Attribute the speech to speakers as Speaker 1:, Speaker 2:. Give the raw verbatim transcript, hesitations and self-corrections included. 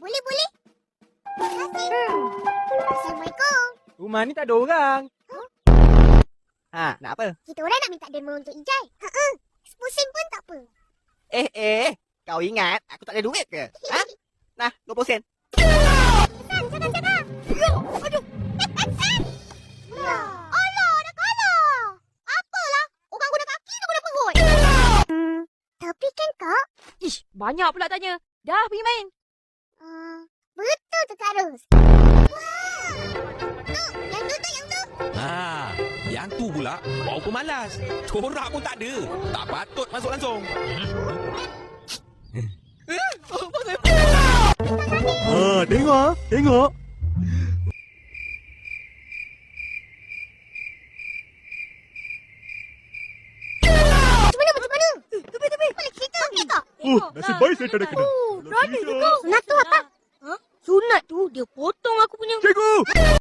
Speaker 1: boleh, boleh. Terima kasih. Hmm. Assalamualaikum.
Speaker 2: Rumah ni tak ada orang.
Speaker 1: Huh?
Speaker 2: Ha, nak apa?
Speaker 1: Kita orang nak minta demo untuk Ijai. Ha-ha. Sepusing pun tak apa.
Speaker 2: Eh, eh. Kau ingat aku tak ada duit ke? Ha? Nah, dua puluh sen.
Speaker 1: Jangan, jangan, jangan. Yo, aduh. Ya. Alah, dah kalah. Apalah. Orang guna kaki tu guna perut. Hmm, tapi kan, Kak?
Speaker 3: Ish, banyak pula tanya. Dah pergi main.
Speaker 1: Uh, betul tu, Kak Ros. Wah. Tu, yang tu tu, yang tu.
Speaker 4: Ha, yang tu pula bawa pemalas. Corak pun tak ada. Tak patut masuk langsung.
Speaker 5: Ha, tengok ah, tengok.
Speaker 1: Macam mana, macam mana? Tepi, tepi. Boleh cerita okey tak?
Speaker 5: Oh, nasib baik saya tak ada kena.
Speaker 3: Oh, berani tu kau.
Speaker 1: Sunat tu apa?
Speaker 3: Ha? Sunat tu dia potong aku punya.
Speaker 5: Cikgu!